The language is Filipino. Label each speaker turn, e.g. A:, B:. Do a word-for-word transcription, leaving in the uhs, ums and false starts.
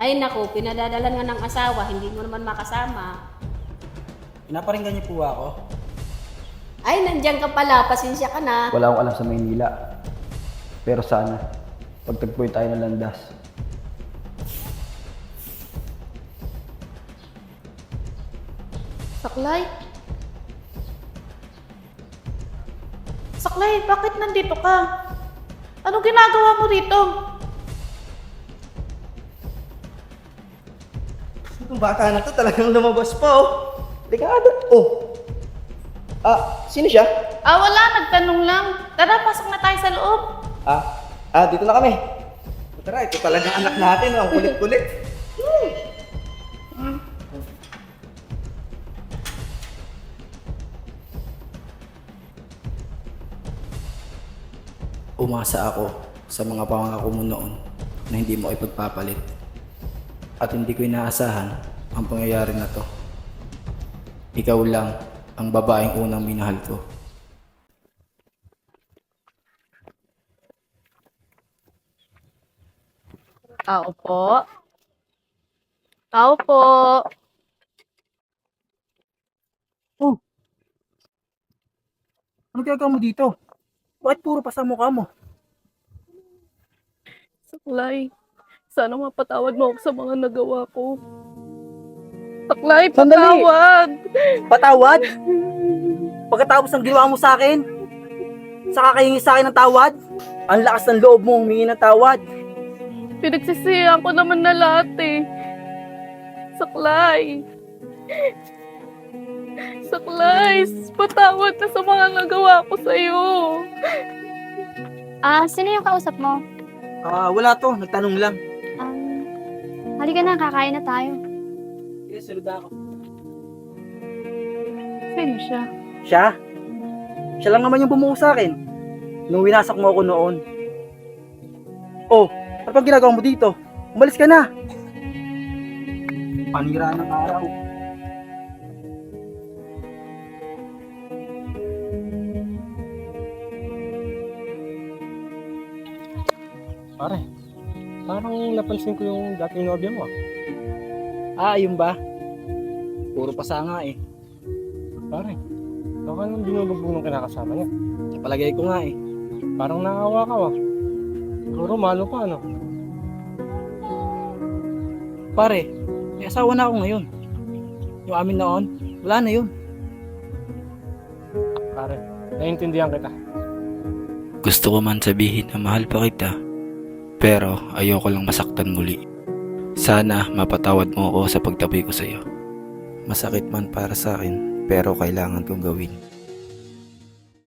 A: Ay naku, pinadadalan nga ng asawa, hindi mo naman makasama.
B: Pinaparinggan niyo po ako?
A: Ay, nandiyan ka pala, pasensya ka na.
B: Wala akong alam sa Maynila. Pero sana, pagtagpuin tayo ng landas.
C: Saklay? Saklay, bakit nandito ka? Anong ginagawa mo rito?
D: Itong bata na to talagang lumabas pa oh. Ligado. Oh. Ah, sino siya?
C: Ah, wala, nagtanong lang. Tara, pasok na tayo sa loob.
D: Ah, ah dito na kami. Tara, ito talagang anak natin. Ang kulit-kulit.
B: Umasa ako sa mga pangako mo noon na hindi mo ipagpapalit. At hindi ko inaasahan ang pangyayari na to. Ikaw lang ang babaeng unang minahal ko.
C: Tao po. Tao po.
D: Oh. Ano ginagawa mo dito? Bakit puro pa sa mukha mo?
C: Saklay, sana mapatawad mo ako sa mga nagawa ko. Saklay,
D: Sandali!
C: patawad!
D: Patawad? Pagkatapos ng ginawa mo sa akin? Saka kahingi sa akin ng tawad? Ang lakas ng loob mo humingi ng tawad.
C: Pinagsisihan ko naman na lahat eh. Saklay. Saklay, patawad na sa mga nagawa ko sa'yo.
E: Ah, sino yung kausap mo?
D: Ah, wala to. Nagtanong lang.
E: Um, halika na, kakain na tayo.
D: Yes, salud ako.
C: Sino siya?
D: Siya? Siya lang naman yung bumuo sa akin. Nung winasak mo ako noon. Oh, ano pang ginagawa mo dito? Umalis ka na. Panira ng araw.
F: Pare, parang napansin ko yung dating nobya mo ah.
D: Ah, yun ba? Puro pasanga eh.
F: Pare, baka nang binulubog ng kinakasama niya.
D: Napalagay ko nga eh.
F: Parang naawa ka ah. Siguro malo pa ano.
D: Pare, may asawa na ako ngayon. Yung amin noon, wala na yun.
F: Pare, naiintindihan kita.
B: Gusto ko man sabihin na mahal pa kita, pero ayoko lang masaktan muli. Sana mapatawad mo ako sa pagtabi ko sa iyo. Masakit man para sa akin, pero kailangan kong gawin.